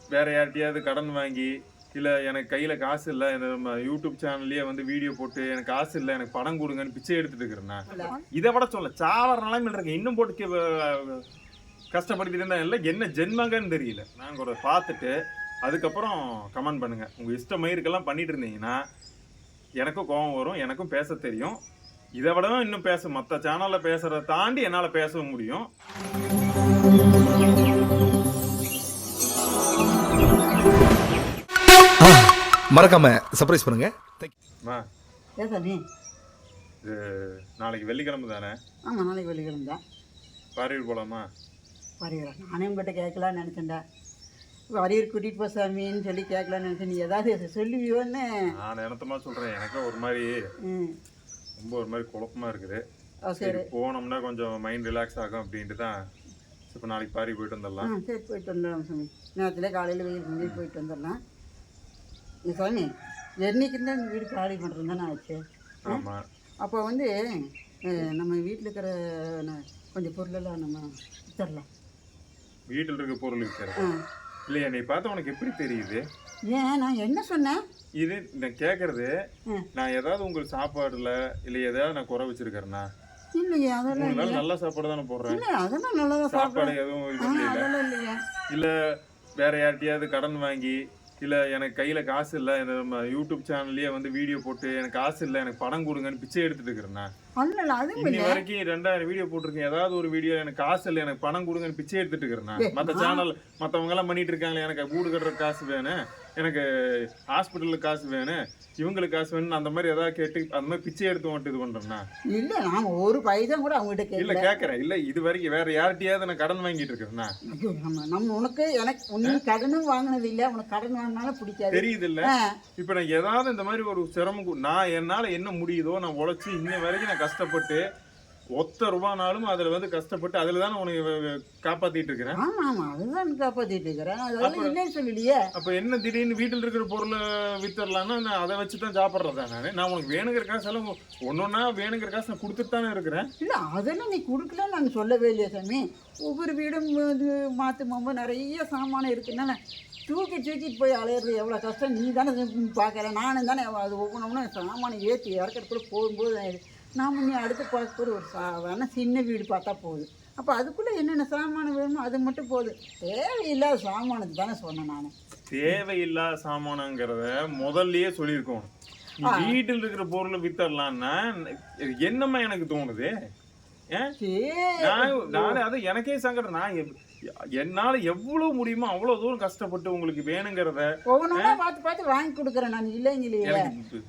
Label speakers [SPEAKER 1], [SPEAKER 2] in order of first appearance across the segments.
[SPEAKER 1] வேற யார்கிட்டயாவது கடன் வாங்கி, இல்ல எனக்கு கையில காசு இல்ல, நம்ம யூடியூப் சேனல்லயே வந்து வீடியோ போட்டு எனக்கு காசு இல்ல, எனக்கு பணம் குடுங்கன்னு பிச்சை எடுத்துட்டு இருக்கிறேன்னா, இத விட சொல்ல சாவர நிலைமையில இருக்கேன். இன்னும் போட்டு கஷ்டப்படுத்திட்டு இருந்தா இல்ல, என்ன ஜென்மங்கன்னு தெரியல. நாங்க ஒரு பார்த்துட்டு, அதுக்கப்புறம் கமெண்ட் பண்ணுங்க. உங்க இஷ்ட மயிறுக்கெல்லாம் பண்ணிட்டு இருந்தீங்கன்னா, எனக்கும் கோவம் வரும், எனக்கும் பேச தெரியும். இத விடவும் இன்னும் மத்த சேனல்ல பேசுறத தாண்டி என்னால பேசவும் முடியும்.
[SPEAKER 2] மறக்காம சர்ப்ரைஸ் பண்ணுங்க.
[SPEAKER 1] அம்மா,
[SPEAKER 3] ஏன் சாமி?
[SPEAKER 1] இது நாளைக்கு வெள்ளிக்கிழமை தானே?
[SPEAKER 3] ஆமாம், நாளைக்கு வெள்ளிக்கிழமை தான்.
[SPEAKER 1] பாரியூர் போலாமா?
[SPEAKER 3] வரைகிறேன். நானே உங்கள்கிட்ட கேட்கலான்னு நினச்சேன்டா. வரையூர் கூட்டிகிட்டு போ சாமின்னு சொல்லி கேட்கலான்னு நினச்சேன். நீ ஏதாவது சொல்லுவியோன்னு.
[SPEAKER 1] நான் நினைத்தமா சொல்றேன். எனக்கு ஒரு மாதிரி ரொம்ப ஒரு மாதிரி குழப்பமா இருக்குது.
[SPEAKER 3] சரி,
[SPEAKER 1] போனோம்னா கொஞ்சம் மைண்ட் ரிலாக்ஸ் ஆகும் அப்படின்ட்டு தான். இப்போ நாளைக்கு பாரி போயிட்டு வந்துடலாம்.
[SPEAKER 3] சரி, போயிட்டு வந்துடலாம் சாமி. நேரத்தில் காலையில் வெயில் செஞ்சு போயிட்டு வந்துடலாம். இந்த சாமி, என்னைக்கு தான் இந்த வீடு காலி பண்ணுறது தானே ஆச்சு?
[SPEAKER 1] ஆமாம்.
[SPEAKER 3] அப்போ வந்து நம்ம வீட்டில் இருக்கிற கொஞ்சம் பொருளெல்லாம் நம்ம வித்தரலாம்.
[SPEAKER 1] வீட்டில் இருக்க பொருள் விற்கிறது இல்லையா? நீ பார்த்தா உனக்கு எப்படி தெரியுது?
[SPEAKER 3] ஏன் நான் என்ன சொன்னேன்?
[SPEAKER 1] இது நான் கேட்கறது, நான் ஏதாவது உங்களுக்கு சாப்பாடுல இல்லை ஏதாவது நான் குறை வச்சிருக்கிறேன்னா?
[SPEAKER 3] இல்லையே, அதெல்லாம் இல்லை.
[SPEAKER 1] நல்ல சாப்பாடு தானே போடுறேன்.
[SPEAKER 3] இல்லை, அதெல்லாம் நல்லா தான்
[SPEAKER 1] சாப்பாடு எதுவும்
[SPEAKER 3] அதெல்லாம் இல்லையா?
[SPEAKER 1] இல்லை வேற யார்கிட்டயாவது கடன் வாங்கி, இல்ல எனக்கு கையில காசு இல்ல, நம்ம யூடியூப் சேனல்லயே வந்து வீடியோ போட்டு எனக்கு காசு இல்ல, எனக்கு பணம் கொடுங்கன்னு பிச்சை எடுத்துட்டு இருக்கிறேன்னா? இன்னி வரைக்கும் 2000 வீடியோ போட்டிருக்கேன். ஏதாவது ஒரு வீடியோ எனக்கு காசு இல்ல, எனக்கு பணம் கொடுங்கன்னு பிச்சை எடுத்துட்டு இருக்கிறேன்னா? மத்த சேனல் மத்தவங்க எல்லாம் பண்ணிட்டு இருக்காங்களே, எனக்கு வீடு கட்டுற காசு வேணும், எனக்கு ஹாஸ்பிட்டலுக்கு காசு வேணும், இவங்களுக்கு காசு வேணும், அந்த மாதிரி ஏதாவது கேட்டு அந்த மாதிரி பிச்சை எடுத்து வந்துட்டு இது பண்றேன்னா?
[SPEAKER 3] இல்ல, நான் ஒரு பைசா கூட அவங்ககிட்ட
[SPEAKER 1] இல்ல கேட்கறேன். இல்ல இது வரைக்கும் வேற யார்கிட்டயாவது நான் கடன் வாங்கிட்டு இருக்கிறேன்னா?
[SPEAKER 3] நம்ம உனக்கு எனக்கு ஒன்னும் கடனும் வாங்கினது இல்ல, உனக்கு கடன் வாங்கினாலும் பிடிக்காது,
[SPEAKER 1] தெரியுது இல்ல? இப்ப நான் ஏதாவது இந்த மாதிரி ஒரு சிரமம், நான் என்னால என்ன முடியுதோ நான் உழைச்சி இன்ன வரைக்கும் நான் கஷ்டப்பட்டு ஒத்த ரூபானாலும் அதுல வந்து கஷ்டப்பட்டு அதுலதான் உனக்கு காப்பாத்திட்டு இருக்கிறேன்.
[SPEAKER 3] ஆமா ஆமா, அதுதான் காப்பாத்திட்டு இருக்கிறேன். அதெல்லாம் இல்லைன்னு சொல்லலையே.
[SPEAKER 1] அப்ப என்ன திடீர்னு வீட்டுல இருக்கிற பொருளை வித்தரலாம்னா நான் அதை வச்சுதான் சாப்பிட்றதா? நான் உனக்கு வேணுங்கிற காசு எல்லாம் ஒன்னொன்னா வேணுங்கிற காசு நான் கொடுத்துட்டு தானே இருக்கிறேன்.
[SPEAKER 3] இல்ல, அதெல்லாம் நீ கொடுக்கல நான் சொல்லவே இல்லையா சாமி. ஒவ்வொரு வீடும் மாத்து மாம்பு நிறைய சாமானம் இருக்குன்னா தூக்கிட்டு போய் அலையிறது எவ்வளோ கஷ்டம் நீ தானே பார்க்குற. நானும் தானே அது ஒவ்வொன்றும் சாமானை ஏற்றி இறக்கிறதுக்குள்ள போகும்போது நாம் நீ அடுத்து பார்க்குற ஒரு சாதாரண சின்ன வீடு பார்த்தா போகுது. அப்போ அதுக்குள்ளே என்னென்ன சாமானம் வேணுமோ அது மட்டும் போதும். தேவையில்லாத சாமானத்துக்கு தானே சொன்னேன் நான்.
[SPEAKER 1] தேவையில்லாத சாமானங்கிறத முதல்லயே சொல்லியிருக்கோம். வீட்டில் இருக்கிற பொருளை வித்தரலான்னா என்னம்மா எனக்கு தோணுது? அது எனக்கே சங்கடம். நான் என்னால எவ்வளவு முடியுமோ அவ்வளவு தூரம் கஷ்டப்பட்டு உங்களுக்கு வேணுங்கிறத
[SPEAKER 3] ஒவ்வொன்றா பார்த்து பார்த்து வாங்கி கொடுக்குறேன் நான். இல்லைங்களே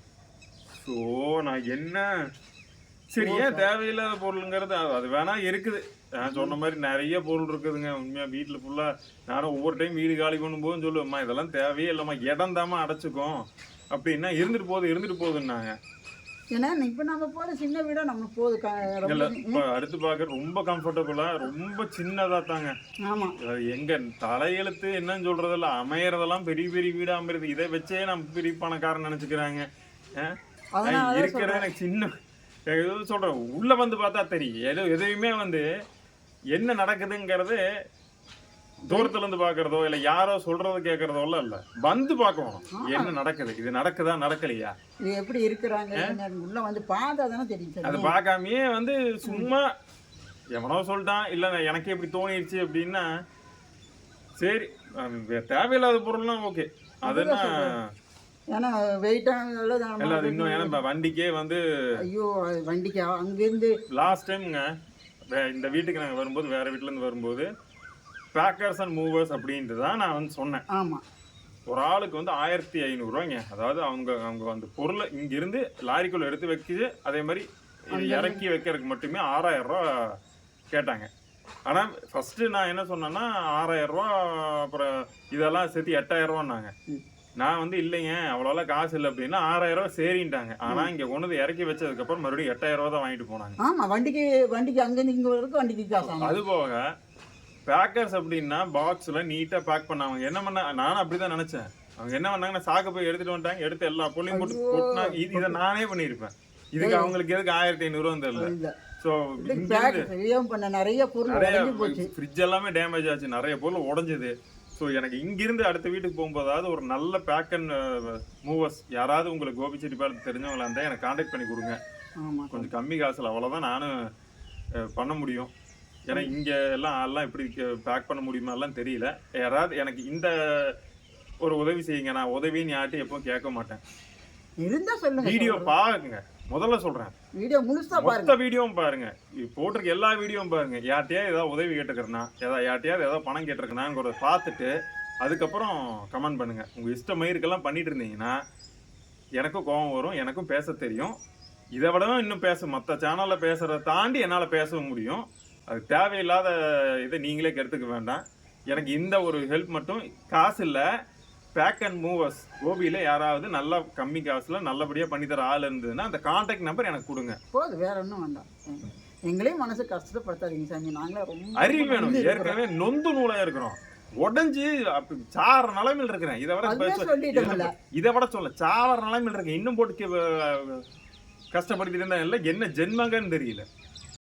[SPEAKER 1] நான் என்ன சரி, ஏன் தேவையில்லாத பொருளுங்கிறது அது வேணா இருக்குது. நான் சொன்ன மாதிரி நிறைய பொருள் இருக்குதுங்க. உண்மையா வீட்டுல ஃபுல்லா நானும் ஒவ்வொரு டைம் வீடு காலி பண்ணும்போது சொல்லுவேம்மா இதெல்லாம் தேவையே இல்லம்மா, இடம் தாமா அடைச்சுக்கும் அப்படின்னா இருந்துட்டு போகுதுன்னாங்க.
[SPEAKER 3] ஏன்னா இப்ப நம்ம போற சின்ன வீடா நம்ம போகுது.
[SPEAKER 1] அடுத்து பார்க்க ரொம்ப கம்ஃபர்டபுளா ரொம்ப சின்னதா தாங்க.
[SPEAKER 3] ஆமா,
[SPEAKER 1] எங்க தலையெழுத்து என்னன்னு சொல்றதெல்லாம் அமையறதெல்லாம் பெரிய பெரிய வீடா அமைறது. இதை வச்சே நம்ம பெரிய பணக்காரன் நினைச்சுக்கிறாங்க. இருக்கிறது எனக்கு சின்ன சொல்றேன். உள்ள வந்து பார்த்தா தெரியும் எதையுமே வந்து என்ன நடக்குதுங்கிறது தூரத்துல இருந்து பாக்குறதோ இல்ல யாரோ சொல்றதோ கேட்கறதோ இல்ல, வந்து பார்க்கணும் என்ன நடக்குது, இது நடக்குதா நடக்கலையா,
[SPEAKER 3] இது எப்படி இருக்கிறாங்க உள்ள வந்து பார்த்தா தானே தெரியும்.
[SPEAKER 1] அது பார்க்காமயே வந்து சும்மா எவனோ சொல்லிட்டான் இல்ல எனக்கு எப்படி தோணிடுச்சு அப்படின்னா சரி, தேவையில்லாத பொருள்லாம் ஓகே. அதுனா
[SPEAKER 3] ஏன்னா வெயிட்டாக
[SPEAKER 1] இன்னும் ஏன்னா வண்டிக்கே வந்து
[SPEAKER 3] ஐயோ வண்டிக்கு அங்கேருந்து
[SPEAKER 1] லாஸ்ட் டைம்ங்க இந்த வீட்டுக்கு நாங்கள் வரும்போது வேற வீட்டிலேருந்து வரும்போது பேக்கர்ஸ் அண்ட் மூவர்ஸ் அப்படின்ட்டு தான் நான் வந்து சொன்னேன்.
[SPEAKER 3] ஆமாம்,
[SPEAKER 1] ஒரு ஆளுக்கு வந்து 1500 அதாவது அவங்க அந்த பொருளை இங்கிருந்து லாரிக்குள்ள எடுத்து வைக்கிது, அதே மாதிரி இறக்கி வைக்கிறதுக்கு மட்டுமே 6000 ரூபா கேட்டாங்க. ஆனால் ஃபர்ஸ்ட் நான் என்ன சொன்னேன்னா 6000 ரூபா, அப்புறம் இதெல்லாம் சேர்த்து 8000 ரூபான்னாங்க. நான் வந்து இல்லைங்க அவ்வளோலாம் காசு இல்லை அப்படின்னா 6000 ரூபா சரின்ட்டாங்க. ஆனா இங்க கொண்டு இறக்கி வச்சதுக்கு அப்புறம் மறுபடியும் 8000 ரூபா தான் வாங்கிட்டு போனாங்க.
[SPEAKER 3] ஆமா, வண்டிக்கு அங்கிருந்து இங்க வரைக்கும் வண்டிக்கு காசு.
[SPEAKER 1] அது போக பேக்கர்ஸ் அப்படின்னா பாக்ஸ்ல நீட்டா பேக் பண்ணாங்க. என்ன பண்ண நானும் அப்படிதான் நினைச்சேன். அவங்க என்ன பண்ணாங்கன்னா சாக்கு போய் எடுத்துட்டு வந்துட்டாங்க, எடுத்து எல்லா பொருளையும் போட்டு கொட்டினாங்க. இதை நானே பண்ணியிருப்பேன். இதுக்கு அவங்களுக்கு எதுக்கு 1500 ரூபா தெரியல. ஸோ
[SPEAKER 3] நிறைய பொருள்
[SPEAKER 1] ஃப்ரிட்ஜ் எல்லாமே டேமேஜ் ஆச்சு, நிறைய பொருள் உடஞ்சுது. ஸோ எனக்கு இங்கிருந்து அடுத்த வீட்டுக்கு போகும்போதாவது ஒரு நல்ல பேக் அண்ட் மூவர்ஸ் யாராவது உங்களுக்கு கோபிச்செட்டிப்பாளையம் தெரிஞ்சவங்களா இருந்தால் எனக்கு காண்டாக்ட் பண்ணி கொடுங்க.
[SPEAKER 3] ஆமாம்
[SPEAKER 1] கொஞ்சம் கம்மி காசில் அவ்வளோதான் நானும் பண்ண முடியும். ஏன்னா இங்கே எல்லாம் எப்படி பேக் பண்ண முடியுமா எல்லாம் தெரியல. யாராவது எனக்கு இந்த ஒரு உதவி செய்யுங்க. நான் உதவின்னு யார்ட்டும் எப்பவும் கேட்க மாட்டேன்.
[SPEAKER 3] இருந்தா சொல்லுங்க.
[SPEAKER 1] வீடியோ பாருங்க, முதல்ல சொல்றேன்.
[SPEAKER 3] வீடியோ முழுசா பாருங்க,
[SPEAKER 1] மொத்த வீடியோவும் பாருங்க, போட்டிருக்க எல்லா வீடியோவும் பாருங்க. யார்ட்டையாவது ஏதாவது உதவி கேட்டுக்கிறேன்னா, யார்ட்டையாவது ஏதாவது பணம் கேட்டிருக்கேனாங்கிறத பார்த்துட்டு அதுக்கப்புறம் கமெண்ட் பண்ணுங்க. உங்க இஷ்ட மயிருக்கெல்லாம் பண்ணிட்டு இருந்தீங்கன்னா எனக்கும் கோபம் வரும், எனக்கும் பேச தெரியும். இதை விடவும் இன்னும் மற்ற சேனல்ல பேசுறதை தாண்டி என்னால் பேசவும் முடியும். அது தேவையில்லாத இதை நீங்களே கெடுத்துக்க வேண்டாம். எனக்கு இந்த ஒரு ஹெல்ப் மட்டும், காசு இல்லை, பேக் அண்ட் மூவர்ஸ் கோபியில் யாராவது நல்லா கம்மி காசில் நல்லபடியாக பண்ணித்தர ஆள் இருந்ததுன்னா அந்த கான்டாக்ட் நம்பர் எனக்கு கொடுங்க.
[SPEAKER 3] போதும், வேற ஒன்றும் வேண்டாம். எங்களையும் மனசு கஷ்டப்படுத்தாதீங்க சாமி. நாங்களே ரொம்ப
[SPEAKER 1] அறிவு வேணும். ஏற்கனவே நொந்து நூலாக இருக்கிறோம், உடஞ்சி சாற நிலைமையில் இருக்கிறேன். இதை விட சொல்ல சாவர நிலைமையில் இருக்கேன். இன்னும் போட்டு கஷ்டப்படுத்திட்டு இருந்தா இல்லை, என்ன ஜென்மங்கன்னு தெரியல.